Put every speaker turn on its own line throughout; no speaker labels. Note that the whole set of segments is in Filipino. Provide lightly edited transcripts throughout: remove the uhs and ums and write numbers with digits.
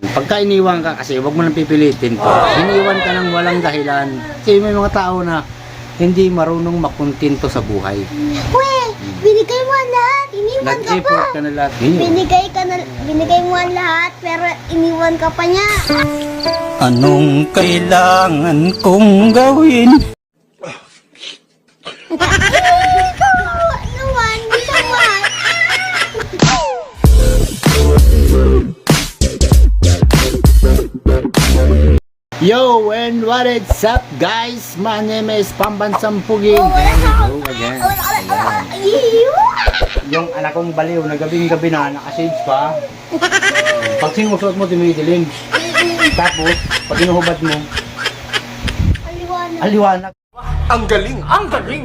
Pagka iniwan ka kasi, wag mo nang pipilitin po. Iniwan ka ng walang dahilan. Kasi may mga tao na hindi marunong makontento sa buhay.
Binigay mo ang lahat, iniwan ka pa.
Nag-effort ka na lahat.
Binigay mo ang lahat, pero iniwan ka pa niya.
Anong kailangan kong gawin?
Naman, hindi naman.
Yo, and what is up guys? My name is Pambansang Puging. Hello again. Yung anak kong baliw na gabing-gabi na naka-shades pa. Pag sinusuot mo, tumidilim. Tapos, pag inuhubad mo, aliwanag.
Ang galing! Ang galing!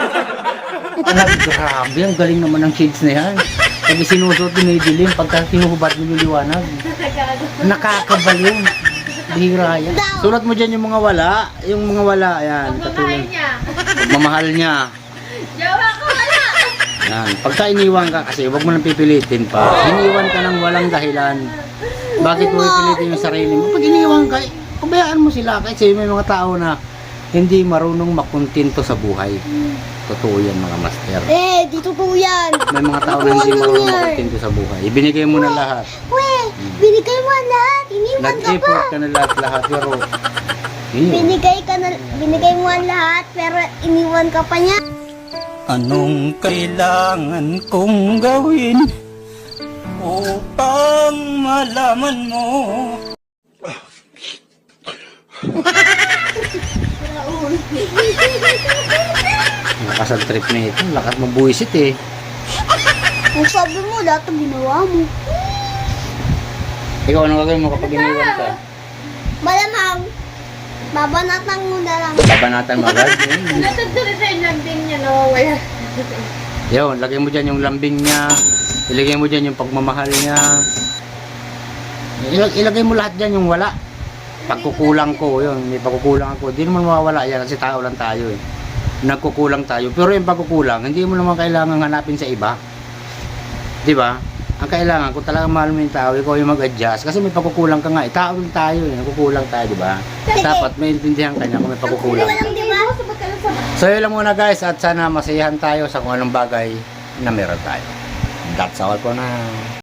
Grabe, ang galing naman ng shades na yan. Pag sinusuot, tumidilim. Pagka sinuhubad mo, liwanag. Nakakabaliw. Bihira yan. Sulat mo dyan yung mga wala. Yung mga wala, ayan.
Pagmamahal niya.
Pagmamahal niya.
Jowa ko wala.
Yan. Pagka iniwan ka kasi, wag mo nang pipilitin pa. Iniwan ka ng walang dahilan. Bakit mo pipilitin yung sarili mo? Pag iniwan ka, pabayaan mo sila. Kasi may mga tao na hindi marunong makontento sa buhay. Totoo yan mga master.
Dito po yan.
May mga tao na hindi marunong makontento sa buhay. Ibinigay mo na lahat.
Binigay mo ang lahat, iniwan ka pa.
Nag-effort ka na lahat. Pero,
Binigay mo ang lahat, pero iniwan ka pa niya.
Anong kailangan kong gawin upang malaman mo?
lakas ang trip na ito. Lakas mabuisit eh.
Kung sabi mo, lahat ang ginawa mo.
Ikaw, anong gagawin mo kapag iniwan ka?
Malamang, babanatan mo na lang.
Babanatan mo agad?
Natutulog sa inlanding niya, nawawala.
Yun, lagay mo dyan yung lambing niya. Ilagay mo dyan yung pagmamahal niya. Ilagay mo lahat dyan yung wala. Pagkukulang ko, yun. May pagkukulang ako. Hindi naman mawawala yan kasi tao lang tayo eh. Nagkukulang tayo. Pero yung pagkukulang, hindi mo naman kailangan hanapin sa iba. Di ba? Ang kailangan, kung talagang mahal mo yung tao, ikaw yung mag-adjust. Kasi may pagkukulang ka nga. Eh, tao lang tayo eh. Nagkukulang tayo, di ba? Dapat maintindihan ka niya kung may pagkukulang.
Di ba?
So yun lang muna guys. At sana masayahan tayo sa kung anong bagay na meron tayo. That's all for now.